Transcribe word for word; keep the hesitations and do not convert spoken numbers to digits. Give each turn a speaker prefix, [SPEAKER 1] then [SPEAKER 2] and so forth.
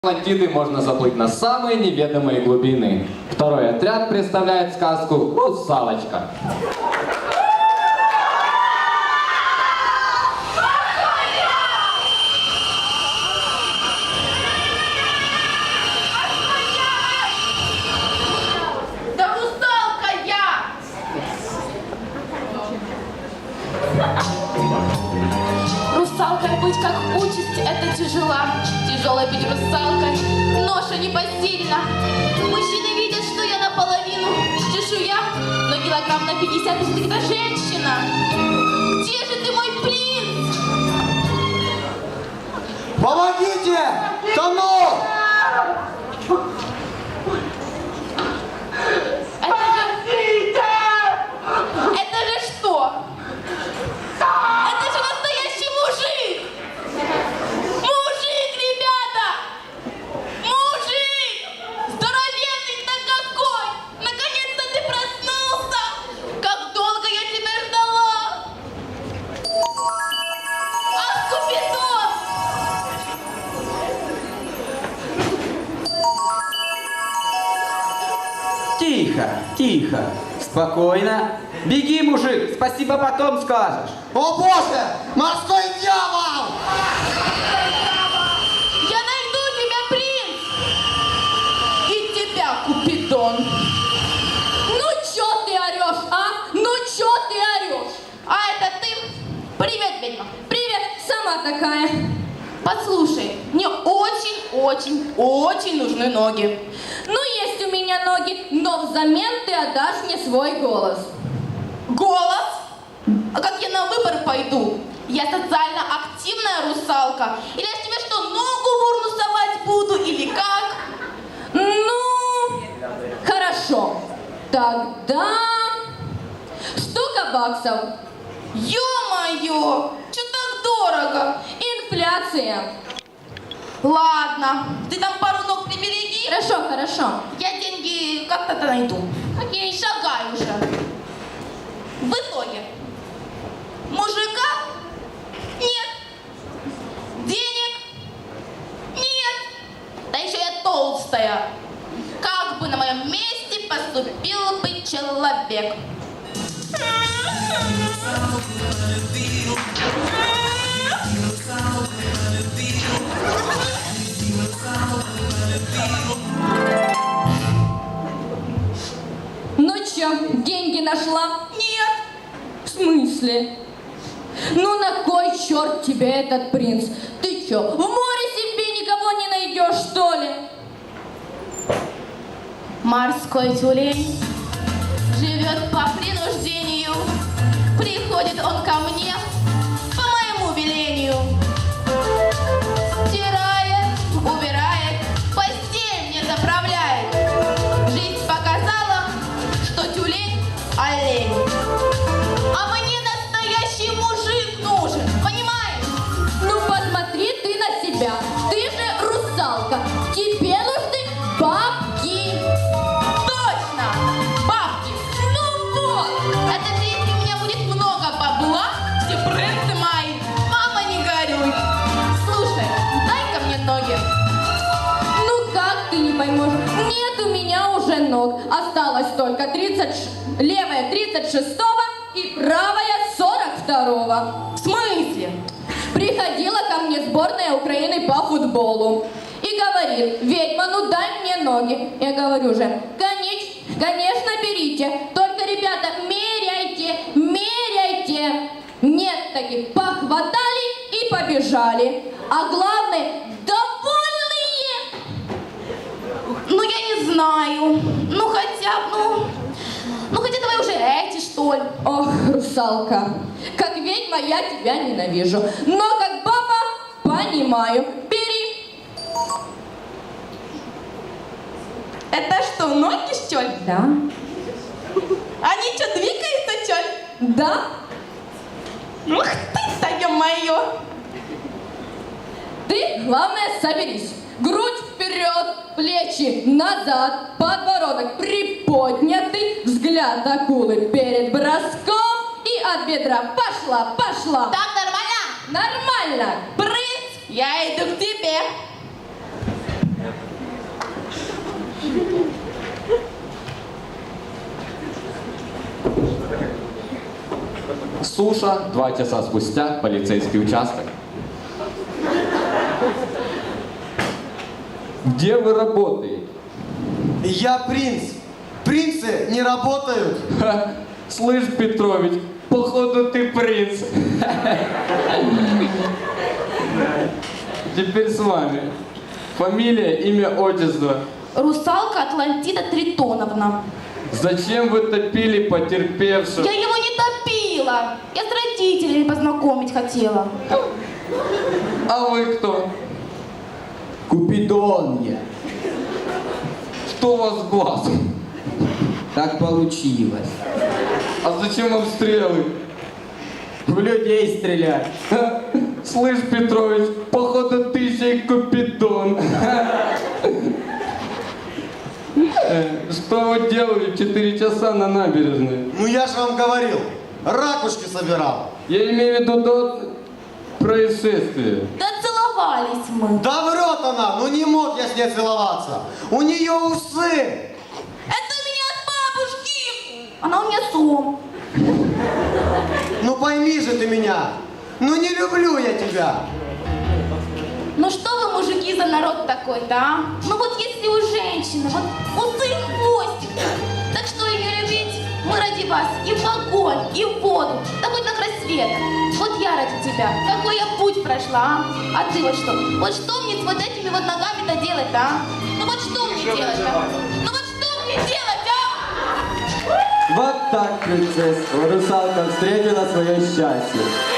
[SPEAKER 1] Атлантиды можно заплыть на самые неведомые глубины. Второй отряд представляет сказку «Русалочка».
[SPEAKER 2] Да русалка я! Русалкой быть как участь, это тяжела. Тяжелая быть русалкой, ноша непосильна. Мужчины видят, что я наполовину чешуя, но килограмм на пятьдесят всегда женщина. Где же ты, мой принц?
[SPEAKER 3] Помогите! Тону!
[SPEAKER 2] Это же... Это же что? Это же настоящий мужик! Мужик, ребята! Мужик! Здоровенный ты какой! Наконец-то ты проснулся! Как долго я тебя ждала! Ах, Купидон!
[SPEAKER 3] Тихо, тихо, спокойно. Беги, мужик, спасибо потом скажешь.
[SPEAKER 4] О боже! Морской дьявол!
[SPEAKER 2] Я найду тебя, принц! И тебя, Купидон! Ну чё ты орёшь, а? Ну чё ты орёшь? А это ты? Привет, ведьма! Привет, сама такая. Послушай, мне очень-очень-очень нужны ноги. Ну, есть у меня ноги, но взамен ты отдашь мне свой голос. Голос? А как я на выборы пойду? Я социально активная русалка. Или я тебе что, ногу в урну совать буду, или как? Ну, хорошо. Тогда штука баксов. Ё-моё, что так дорого? Инфляция. Ладно, ты там пару ног прибереги. Хорошо, хорошо. Я деньги как-то найду. Окей, шагай уже. В итоге мужика нет, денег нет, да еще я толстая. Как бы на моем месте поступил бы человек?
[SPEAKER 5] Ну чё, деньги нашла?
[SPEAKER 2] Нет.
[SPEAKER 5] В смысле? Ну на кой черт тебе этот принц? Ты чё, в море себе никого не найдешь, что ли?
[SPEAKER 2] Морской тюлень живет по принуждению. Приходит он ко мне по моему велению. Стирает, убирает, постель мне заправляет. Жизнь показала, что тюлень олень. А мне настоящий мужик нужен, понимаешь?
[SPEAKER 5] Ну посмотри ты на себя. Ты же русалка. Тебе нужны бабки.
[SPEAKER 2] Точно! Бабки! Ну вот! Это же если у меня будет много бабла, все принцы мои. Мама, не горюй. Слушай, дай-ка мне ноги.
[SPEAKER 5] Ну как ты не поймешь? Нет у меня уже ног. Осталось только тридцать... ш- левая тридцать шестого и правая сорок второго.
[SPEAKER 2] В смысле?
[SPEAKER 5] Приходила ко мне сборная Украины по футболу и говорит: ведьма, ну дай мне ноги. Я говорю же: конечно, конечно, берите, только, ребята, меряйте, меряйте. Нет таких, похватали и побежали. А главное, довольные.
[SPEAKER 2] Ну, я не знаю. Ну, хотя бы, ну... Ну, хотя давай уже эти, что ли.
[SPEAKER 5] Ох, русалка, как ведьма я тебя ненавижу, но как баба понимаю. Бери.
[SPEAKER 2] Это что, ноги, что ли?
[SPEAKER 5] Да.
[SPEAKER 2] Они что, двигаются, что ли?
[SPEAKER 5] Да.
[SPEAKER 2] Ух ты, ё-моё!
[SPEAKER 5] Ты, главное, соберись. Грудь вперед, плечи назад, подбородок приподнятый, взгляд акулы перед броском и от бедра. Пошла, пошла.
[SPEAKER 2] Так нормально?
[SPEAKER 5] Нормально.
[SPEAKER 2] Принц, я иду к тебе.
[SPEAKER 1] Суша, два часа спустя, полицейский участок. Где вы работаете?
[SPEAKER 4] Я принц. Принцы не работают.
[SPEAKER 1] Ха, слышь, Петрович, походу ты принц. Теперь с вами. Фамилия, имя, отчество.
[SPEAKER 2] Русалка Атлантида Тритоновна.
[SPEAKER 1] Зачем вы топили потерпевшего?
[SPEAKER 2] Я его не топила. Я с родителями познакомить хотела.
[SPEAKER 1] А вы кто?
[SPEAKER 3] Купидон я.
[SPEAKER 1] Что у вас с глазом?
[SPEAKER 3] Так получилось.
[SPEAKER 1] А зачем вам стрелы?
[SPEAKER 3] В людей стрелять.
[SPEAKER 1] Ха, слышь, Петрович, походу ты еще и Купидон. Э, Что вы делали в четыре часа на набережной?
[SPEAKER 4] Ну я же вам говорил, ракушки собирал.
[SPEAKER 1] Я имею в виду до происшествия.
[SPEAKER 2] Да целовались мы.
[SPEAKER 4] Да врет она, ну не мог я с ней целоваться. У нее усы.
[SPEAKER 2] Это у меня от бабушки. Она у меня сом.
[SPEAKER 4] Ну пойми же ты меня. Ну не люблю я тебя.
[SPEAKER 2] Ну что вы, мужики, за народ такой-то, а? Ну вот если у женщины вот усы и хвостик, так что ее любить? Мы ради вас и в огонь, и в воду, да хоть на край света. Вот я ради тебя, какой я путь прошла, а? А ты вот что? Вот что мне с вот этими вот ногами-то делать-то, а? Ну вот что мне делать-то? Ну вот что мне делать, а?
[SPEAKER 3] Вот так, принцесса, русалка встретила свое счастье.